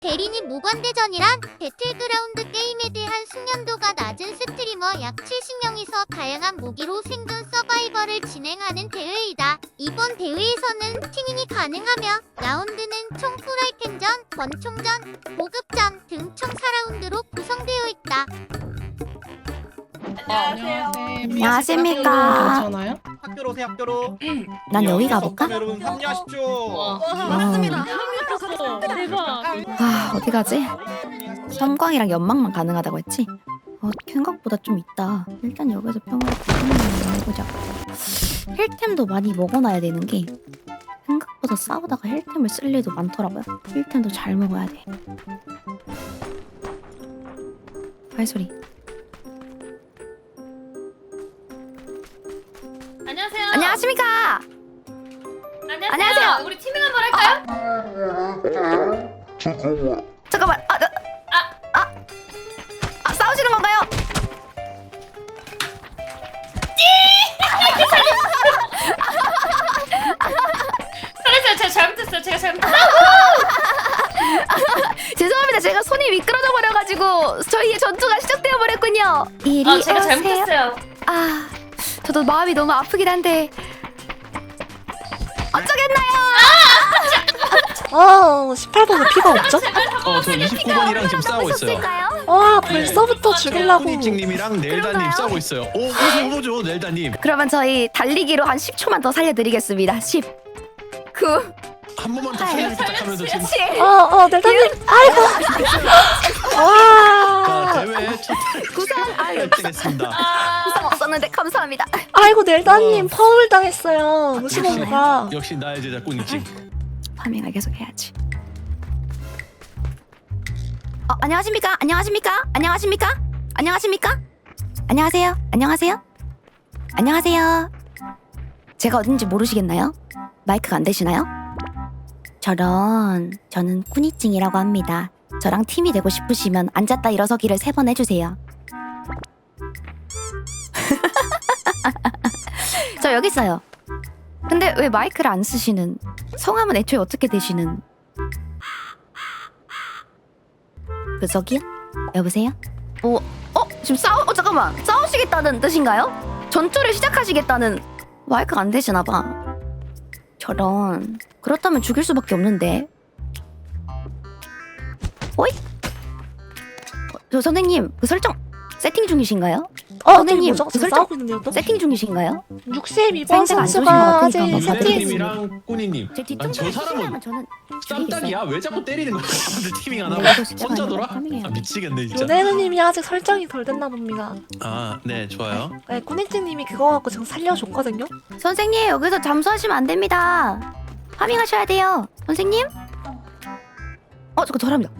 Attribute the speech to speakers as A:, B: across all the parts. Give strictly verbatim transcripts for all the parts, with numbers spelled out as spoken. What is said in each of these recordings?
A: 대리님 무관대전이란 배틀그라운드 게임에 대한 숙련도가 낮은 스트리머 약 칠십 명이서 다양한 무기로 생존 서바이벌을 진행하는 대회이다. 이번 대회에서는 팀인이 가능하며 라운드는 총 프라이팬전, 권총전, 보급전 등 총 사 라운드로 구성되어 있다.
B: 안녕하세요.
C: 안녕하십니까.
B: 괜찮아요?
D: 학교로 오세요 학교로.
C: 난 여기 가볼까?
D: 여러분 합류하십시오.
B: 맞습니다. 대박.
C: 아, 어디 가지? 섬광이랑 연막만 가능하다고 했지? 어, 생각보다 좀 있다. 일단 여기서 평화를 구경만 해보자. 힐템도 많이 먹어놔야 되는 게 생각보다 싸우다가 힐템을 쓸 일도 많더라고요. 힐템도 잘 먹어야 돼. 발소리.
E: 안녕하세요.
C: 안녕하십니까?
E: 안녕하세요.
C: 안녕하세요.
E: 우리 팀밍 한번 할까요?
C: 잠깐만. 아, 나, 아, 아, 아, 싸우시는 건가요?
E: 잘했어요. 제가 잘못했어요. 제가 잘못했어요.
C: 죄송합니다. 제가 손이 미끄러져 버려가지고 저희의 전투가 시작되어 버렸군요. 이리
E: 아, 제가
C: 오세요.
E: 잘못했어요.
C: 아, 저도 마음이 너무 아프긴 한데 어쩌겠나요?
F: 아, 십팔 번은 피가 없죠?
D: 어, 저 이십구 번이랑 지금 싸우고 있어요.
C: 있을까요?
F: 와, 벌써부터 죽이려고.
D: 꾸니찡님이랑 넬다님
C: 그런가요?
D: 싸우고 있어요. 오, 오죠, 오죠, 넬다님.
C: 그러면 저희 달리기로 한 십 초만 더 살려드리겠습니다. 십, 구,
D: 한 번만 더 살려 부탁하면서 지금
C: 칠,
F: 어, 어, 넬다님. 아이고.
D: 자,
F: 와.
D: 대회 첫
C: 구성. 아유,
D: 탈퇴했습니다.
C: 구성 없었는데 감사합니다.
F: 아이고, 넬다님 파울 당했어요.
D: 역시,
F: 무시모가.
D: 역시 나의 제자 꾸니찡.
C: 파밍을 계속 해야지. 어, 안녕하십니까? 안녕하십니까? 안녕하십니까? 안녕하십니까? 안녕하세요? 안녕하세요? 안녕하세요? 제가 어딘지 모르시겠나요? 마이크가 안 되시나요? 저런, 저는 꾸니찡이라고 합니다. 저랑 팀이 되고 싶으시면 앉았다 일어서기를 세 번 해주세요. 저 여기 있어요. 근데 왜 마이크를 안 쓰시는? 성함은 애초에 어떻게 되시는? 그 저기요? 여보세요? 어? 어? 지금 싸우... 어 잠깐만! 싸우시겠다는 뜻인가요? 전투를 시작하시겠다는... 마이크가 안 되시나봐. 저런... 그렇다면 죽일 수밖에 없는데. 어이? 어, 저 선생님 그 설정 세팅 중이신가요?
F: 어,
C: 선생님,
F: 뭐죠?
C: 그
F: 지금
C: 설정-
F: 싸우고 있는데요, 또?
C: 세팅 중이신가요?
F: 육십이 번
C: 생각 안 좋으신 것
F: 선수가
C: 같으니까
F: 아직
C: 한번
F: 사퇴.
D: 넬다님이랑 꾸니님.
C: 제
D: 아니,
C: 뒤통수를
D: 저 사람은
C: 치시려면 저는
D: 쌈딱이야? 왜 자꾸 때리는 거야? 사람들 티밍 안 하고
C: 이거 진짜
D: 혼자
C: 아니라
D: 놀아?
C: 파밍해야
D: 아,
C: 돼.
D: 미치겠네 진짜.
F: 요네르님이 아직 설정이 덜 됐나 봅니다.
D: 아, 네, 좋아요.
F: 네, 꾸니찡님이 그거 갖고 지금 살려줬거든요.
C: 선생님 여기서 잠수하시면 안 됩니다. 파밍하셔야 돼요. 선생님? 어 저거 저랍니다.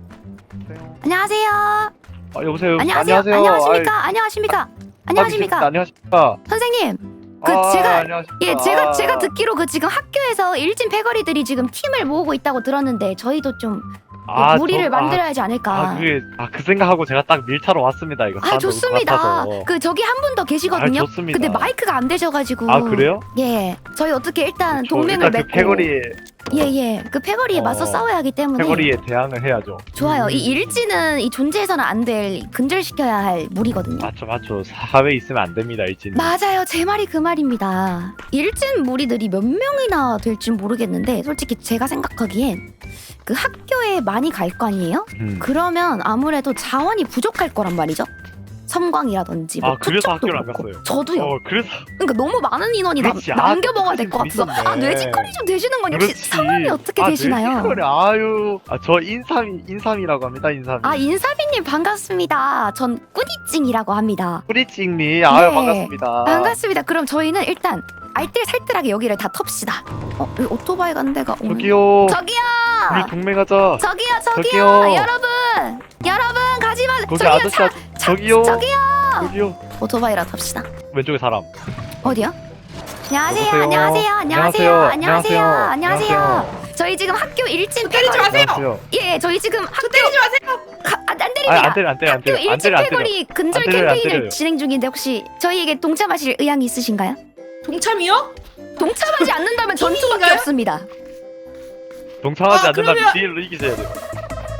C: 안녕하세요.
G: 아, 여보세요.
C: 안녕하세요. 안녕하십니까? 안녕하십니까? 안녕하십니까?
G: 안녕하십니까?
C: 선생님. 그
G: 아,
C: 제가
G: 안녕하십니까?
C: 예 제가
G: 아,
C: 제가 듣기로 그 지금 학교에서 일진 패거리들이 지금 팀을 모으고 있다고 들었는데 저희도 좀
G: 아,
C: 무리를
G: 저-
C: 만들어야 하지 않을까.
G: 아, 그게 아, 그 생각하고 제가 딱 밀타로 왔습니다. 이거.
C: 아
G: 사람 너무
C: 좋습니다.
G: 많아서.
C: 그 저기 한 분 더 계시거든요.
G: 아, 좋습니다.
C: 근데 마이크가 안 되셔가지고.
G: 아, 그래요?
C: 예. 저희 어떻게 일단
G: 저
C: 동맹을
G: 일단 그
C: 맺고.
G: 패거리
C: 예예. 그 패거리에
G: 어,
C: 맞서 싸워야 하기 때문에.
G: 패거리에 대항을 해야죠.
C: 좋아요. 이 일진은 이 존재해서는 안 될 근절시켜야 할 무리거든요.
G: 맞죠, 맞죠. 사회에 있으면 안 됩니다, 일진.
C: 맞아요. 제 말이 그 말입니다. 일진 무리들이 몇 명이나 될진 모르겠는데 솔직히 제가 생각하기엔 그 학교에 많이 갈 거 아니에요?
G: 음.
C: 그러면 아무래도 자원이 부족할 거란 말이죠. 섬광이라든지 뭐
G: 아, 그래서
C: 투척도
G: 학교를 안
C: 그렇고.
G: 갔어요.
C: 저도요.
G: 어, 그래서
C: 그러니까 너무 많은 인원이 남,
G: 그렇지. 아,
C: 남겨 먹어야 될 것 같아서
G: 있었네.
C: 아 뇌지컬이 좀 되시는 건 역시
G: 그렇지.
C: 성함이 어떻게
G: 아,
C: 되시나요?
G: 뇌지컬이, 아유, 아, 저 인삼이 인삼이라고 합니다, 인삼이.
C: 아 인사비님 반갑습니다. 전 꾸니찡이라고 합니다.
G: 뿌리찡님, 아유
C: 네.
G: 반갑습니다.
C: 반갑습니다. 그럼 저희는 일단 알뜰살뜰하게 여기를 다 텁시다. 어, 여기 오토바이 간 데가 오는.
G: 저기요,
C: 저기요.
G: 우리 동맹하자.
C: 저기요, 저기요,
G: 저기요.
C: 여러분, 여러분 가지 마.
G: 거기
C: 저기요,
G: 아저씨,
C: 차,
G: 아- 저기요,
C: 저기요.
G: 저기요.
C: 오토바이라 탑시다.
G: 왼쪽에 사람.
C: 어디요? 안녕하세요,
G: 여보세요?
C: 안녕하세요, 안녕하세요,
G: 안녕하세요?
C: 안녕하세요,
G: 안녕하세요?
C: 안녕하세요. 저희 지금 학교 일진
B: 때리지 마세요.
G: 안녕하세요.
C: 예, 저희 지금 학교
B: 때리지 마세요.
C: 가, 아, 안
G: 아,
C: 때립니다.
G: 안 때려, 안 때려, 안
C: 학교
G: 때려, 안
C: 일진
G: 때려, 안 때려.
C: 패거리 근절
G: 안 때려요, 안
C: 캠페인을
G: 때려요.
C: 진행 중인데 혹시 저희에게 동참하실 의향이 있으신가요?
B: 동참이요?
C: 동참하지 않는다면 전투밖에
B: 팀인가요?
C: 없습니다.
G: 동참하지
B: 아,
G: 않는다면
B: 그러면-
G: 디엘로 이기셔야 돼요.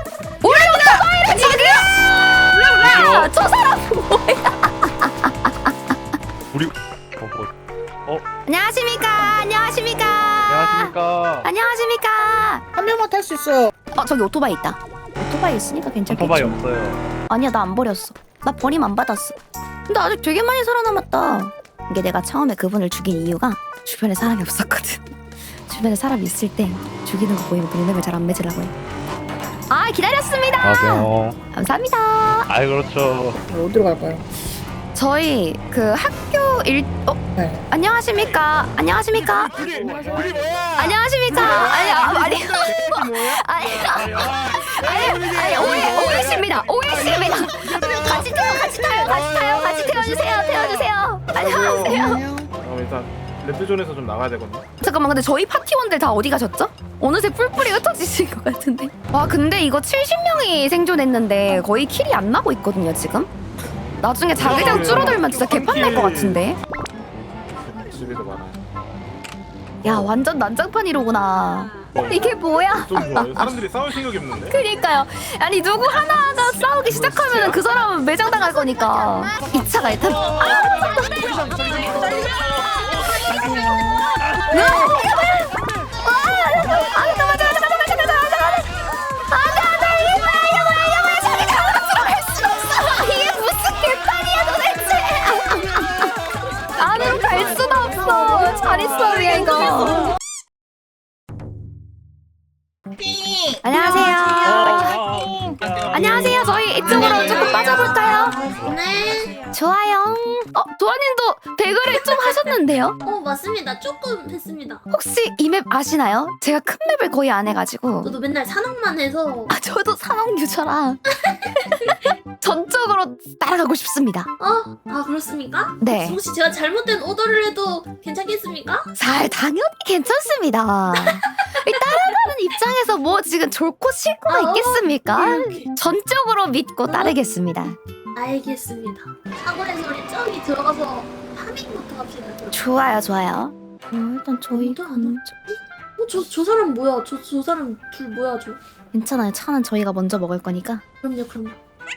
C: 저 사람 뭐야?
G: 우리 어, 어,
C: 안녕하십니까? 안녕하십니까?
G: 안녕하십니까.
C: 안녕하십니까?
B: 한 명만 탈 수 있어.
C: 어 저기 오토바이 있다. 오토바이 있으니까 괜찮겠지.
G: 오토바이 없어요.
C: 아니야 나 안 버렸어. 나 버림 안 받았어. 근데 아직 되게 많이 살아남았다. 이게 내가 처음에 그분을 죽인 이유가 주변에 사람이 없었거든. 주변에 사람 있을 때 죽이는 거 보이면 동맹을 잘 안 맺으라고 해. 아 기다렸습니다.
G: 안녕하세요.
C: 감사합니다.
G: 아이 그렇죠.
B: 어디로 갈까요?
C: 저희 그 학교 일 어?
B: 네.
C: 안녕하십니까? 안녕하십니까?
G: 우리 우리 뭐야?
C: 안녕하십니까? 아니 아, 아니 아니 아니 아니 오해 오해십니다. 오해십니다. 같이 태워 같이 타요 같이 타요 같이 태워주세요 태워주세요. 안녕하세요.
H: 어, 일단 레드존에서 좀 나가야 되거든요.
C: 잠깐만 근데 저희 파티원들 다 어디 가셨죠? 어느새 뿔뿔이 흩어지신 것 같은데. 와 근데 이거 칠십 명이 생존했는데 거의 킬이 안 나고 있거든요 지금. 나중에 자기장 줄어들면 진짜 개판 날 것 같은데.
H: 집에도 많아요.
C: 야 완전 난장판이로구나. 이게 뭐야?
H: 좀 좋아요. 사람들이 싸울 생각이 없는데.
C: 그니까요. 아니 누구 하나가 싸우기 시작하면 그 사람은 매장 당할 거니까. 이 차가 일단 아! 안으로 갈 수가 없어. 잘 있어 그냥 이거. 안녕하세요. 안녕하세요. 저희 이쪽으로 조금 빠져볼까요?
I: 네.
C: 좋아요. 어, 도아님도 배그를 좀 하셨는데요?
I: 어, 맞습니다. 조금 했습니다.
C: 혹시 이 맵 아시나요? 제가 큰 맵을 거의 안 해가지고.
I: 저도 맨날 산악만 해서.
C: 아, 저도 산업 유저라. 전적으로 따라가고 싶습니다.
I: 어? 아, 그렇습니까?
C: 네.
I: 혹시 제가 잘못된 오더를 해도 괜찮겠습니까?
C: 잘 당연히 괜찮습니다. 이 따라가는 입장에서 뭐 지금 좋고 싫고가
I: 아, 어.
C: 있겠습니까?
I: 오케이, 오케이.
C: 전적으로 믿고 따르겠습니다.
I: 알겠습니다. 사거리에서 우리 저기 들어가서 파밍부터 합시다. 그럼.
C: 좋아요, 좋아요. 어, 일단 저희
I: 또 안 어, 저, 저 사람 뭐야? 저, 저 사람 둘 뭐야, 저?
C: 괜찮아요. 차는 저희가 먼저 먹을 거니까.
I: 그럼요, 그럼요.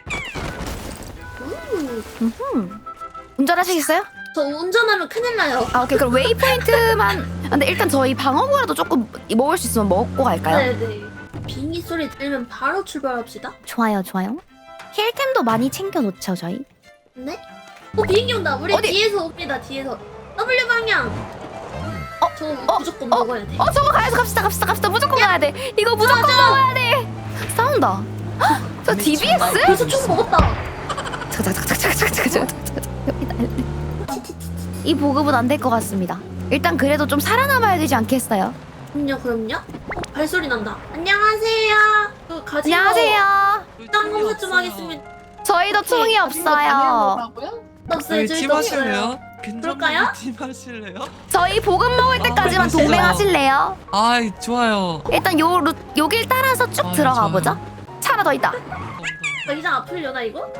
I: 음,
C: 음흠. 운전하시겠어요?
I: 저 운전하면 큰일 나요.
C: 아 오케이 그럼 웨이포인트만. 아, 근데 일단 저희 방어구라도 조금 먹을 수 있으면 먹고 갈까요?
I: 네네. 비행기 소리 들으면 바로 출발합시다.
C: 좋아요, 좋아요. 힐템도 많이 챙겨놓죠 저희.
I: 네? 어, 비행기 온다. 우리
C: 어디?
I: 뒤에서 옵니다, 뒤에서. W 방향.
C: 어?
I: 저거
C: 어?
I: 무조건
C: 어?
I: 먹어야 돼.
C: 어 저거 가야지. 갑시다 갑시다 갑시다. 무조건 가야 돼. 이거 무조건 먹어야 돼. 싸운다. 헉, 저 디비에스?
I: 벌써 총 먹었다.
C: 잠깐 잠깐 잠깐 잠깐 잠깐 잠깐. 이 보급은 안 될 것 같습니다. 일단 그래도 좀 살아남아야 되지 않겠어요?
I: 그럼요, 그럼요. 어, 발소리 난다. 안녕하세요. 그 가지고
C: 안녕하세요.
I: 땅 검사 좀 하겠습니다.
C: 저희도 총이 없어요.
I: 없어요, 저희
J: 팀 하실래요?
I: 그럴까요?
J: 팀 하실래요?
C: 저희 보급 먹을 때까지만
J: 아,
C: 동맹하실래요?
J: 아이 좋아요.
C: 일단 요 루, 요길 따라서 쭉
J: 아,
C: 들어가
J: 좋아요.
C: 보자. 차 하나 더 있다.
I: 여기장 아플려나 이거?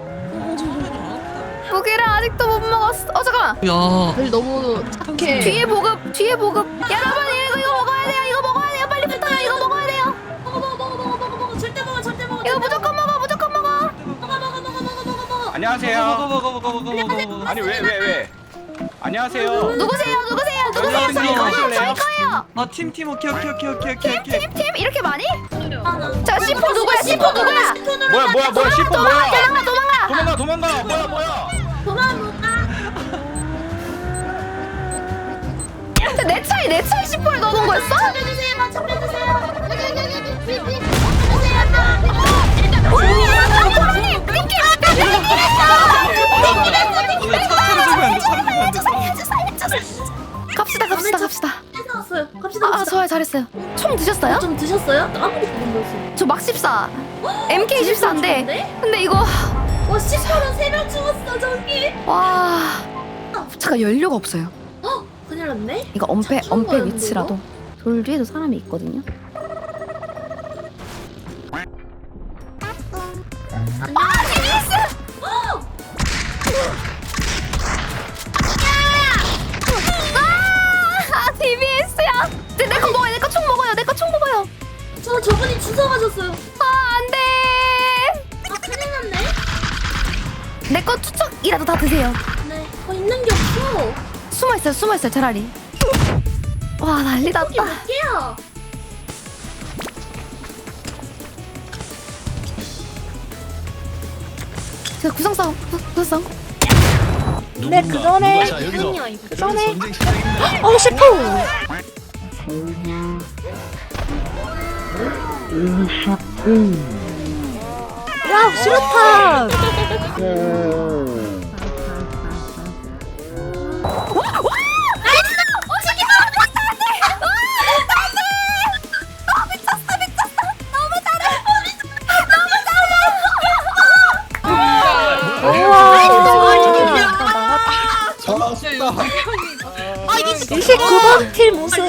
C: 고기를 아직도 못 먹었어. 어 잠깐만.
J: 야.
B: 너무 착해.
C: 뒤에 보급, 뒤에 보급. 여러분 이거 이거 먹어야 돼요. 이거 먹어야 돼요. 빨리 붙어요. 이거 먹어야 돼요.
I: 먹어 먹어 먹어 먹어 먹어 먹어 절대 먹어 절대 먹어.
C: 이거 무조건 먹어, 무조건 먹어.
I: 먹어 먹어 먹어 먹어 먹어 먹어.
H: 안녕하세요.
J: 먹어 먹어 먹어 먹어 먹어 먹어.
H: 아니 왜 왜 왜? 안녕하세요.
C: 누구세요? 누구세요? 누구세요?
H: 안녕하세요.
C: 저희 거예요. 저희
H: 하실래요?
C: 거예요.
J: 아 팀 팀 오케이 오케이 오케이 오케이 오케이 오케이.
C: 팀 이렇게 많이?
I: 아, 나-
C: 자, 씨포 누구야? 씨포 누구야?
H: 뭐야 뭐야 뭐야 시포 뭐야?
C: 도망가, 도망가.
H: 도망가 도망가 뭐야 뭐야?
I: 도망 못 가.
C: 근데 내 차에 내 차에 씨포를 넣어놓은 거였어?
I: 잡혀주세요, 잡혀주세요. 여기 여기 여기 여기 여기.
C: 호랑이! 띵키!
J: 차를 주면 안 돼. 차를 주면 안 돼.
C: 살려줘, 살려줘. 갑시다, 갑시다, 갑시다.
I: 뺏어왔어요. 갑시다
C: 아, 아,
I: 갑시다.
C: 좋아요, 잘했어요. 총 드셨어요?
I: 좀 드셨어요? 아무것도 못 먹었어요.
C: 저 막 십사. 엠케이 십사인데. 근데 이거
I: 와, 십퍼로 세 명 죽었어 저기.
C: 와. 차가 연료가 없어요.
I: 어, 큰일 났네.
C: 이거 엄폐
I: 차 처음
C: 엄폐
I: 가는데,
C: 위치라도. 돌 뒤에도 사람이 있거든요. 아, 디비에스! 아, 디비에스야. 내 거 먹어요. 내 거 총 먹어요. 내 거 총 먹어요.
I: 저 저분이 주워가셨어요.
C: 아, 안 돼.
I: 아, 큰일 났네.
C: 내 거 추척이라도 다 드세요.
I: 네. 어, 있는 게 없어.
C: 숨어 있어요. 숨어 있어요. 차라리. 와 난리
I: 이게
C: 났다.
I: 몇 개야?
C: 제가 구성 싸움. 구- 구성 싸움.
F: 네, 그 전에-
D: 자 여기서
I: 아니야, 이거.
D: 여기서 전쟁 시작입니다.
F: 어 셰프. 야 수류탄. 이십구 번 팀 우승.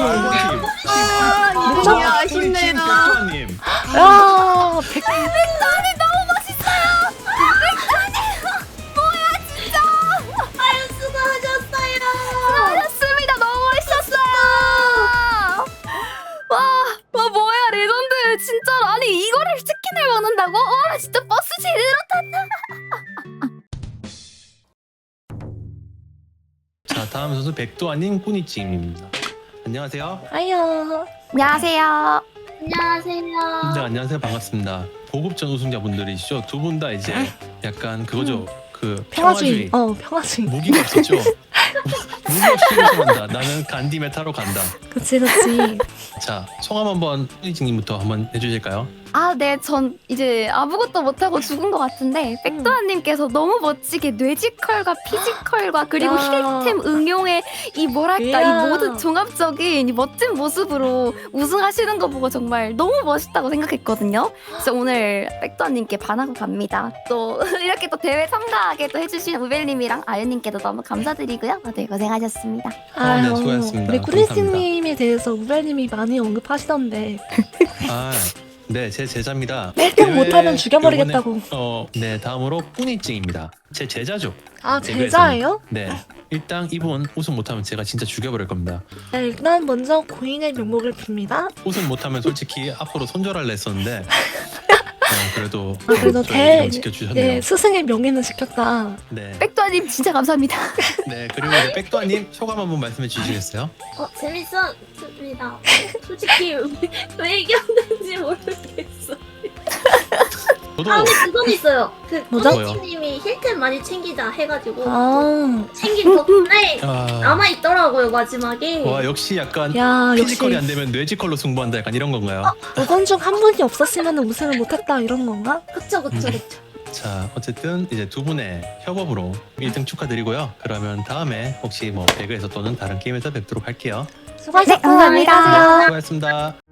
D: 아, 아쉽네요. 백도환님.
F: 야 백.
C: 백도안이 너무 멋있어요. 백도안이 뭐야 진짜.
I: 아유, 수고하셨어요.
C: 잘했습니다. 너무 멋있었어요. 와, 와 뭐야 레전드 진짜. 아니 이거를 치킨을 먹는다고? 와 진짜 버스 제대로 탔다.
D: 자 다음 선수 백도환님 꾸니찡입니다. 안녕하세요.
F: 아유.
C: 안녕하세요.
I: 안녕하세요.
D: 네 안녕하세요 반갑습니다. 보급전 우승자분들이시죠. 두 분 다 이제 약간 그거죠. 그
F: 평화주의.
D: 평화주의
F: 어 평화주의.
D: 무기가 없었죠. 무기 없이 우승한다. 나는 간디 메타로 간다.
F: 그치 그치.
D: 자 성함 한번 꾸니찡님부터 한번 해주실까요?
C: 아, 네, 전 이제 아무것도 못하고 죽은 것 같은데 백도환님께서 너무 멋지게 뇌지컬과 피지컬과 그리고
F: 야.
C: 힐템 응용의 이 뭐랄까
F: 이야.
C: 이 모든 종합적인 이 멋진 모습으로 우승하시는 거 보고 정말 너무 멋있다고 생각했거든요. 그래서 오늘 백도환님께 반하고 갑니다. 또 이렇게 또 대회 참가하게 또 해주신 우벨님이랑 아유님께도 너무 감사드리고요. 다들 고생하셨습니다.
D: 아, 네, 수고하셨습니다.
F: 우리 꾸리스님에 대해서 우벨님이 많이 언급하시던데
D: 아, 네, 제 제자입니다.
F: 일 등
D: 대회
F: 못하면 죽여버리겠다고.
D: 요번에, 어, 네, 다음으로 꾸니찡입니다. 제 제자죠.
F: 아
D: 대회에서는.
F: 제자예요?
D: 네, 일단 이분 우승 못하면 제가 진짜 죽여버릴 겁니다.
F: 네, 일단 먼저 고인의 명목을 빕니다.
D: 우승 못하면 솔직히 앞으로 손절할래 했었는데 어, 그래도
F: 아, 그래도
D: 저희
F: 대-
D: 이름 지켜주셨네요.
F: 네 스승의 명예는 지켰다.
D: 네,
C: 백도환님 진짜 감사합니다.
D: 네, 그리고 이제 백도환님 소감 한번 말씀해 주시겠어요?
I: 어, 재밌었습니다. 솔직히 왜, 왜 이겼는지 모르겠어.
D: 저도
I: 아, 근데 그건 있어요. 그
F: 뭐죠?
I: 꾸니찡님이 힐템 많이 챙기자 해가지고
F: 아,
I: 챙긴 덕분에
D: 아,
I: 남아 있더라고요 마지막에.
D: 와 역시 약간
F: 야 역시
D: 피지컬이 안 되면 뇌지컬로 승부한다 약간 이런 건가요?
F: 두 번 중 한 분이 없었으면 우승을 못했다 이런 건가?
I: 그쵸 그쵸
D: 음.
I: 그쵸.
D: 자 어쨌든 이제 두 분의 협업으로 일 등 축하드리고요. 그러면 다음에 혹시 뭐 배그에서 또는 다른 게임에서 뵙도록 할게요.
F: 수고하셨고
C: 네, 감사합니다.
F: 안녕히 가세요.
D: 수고하셨습니다.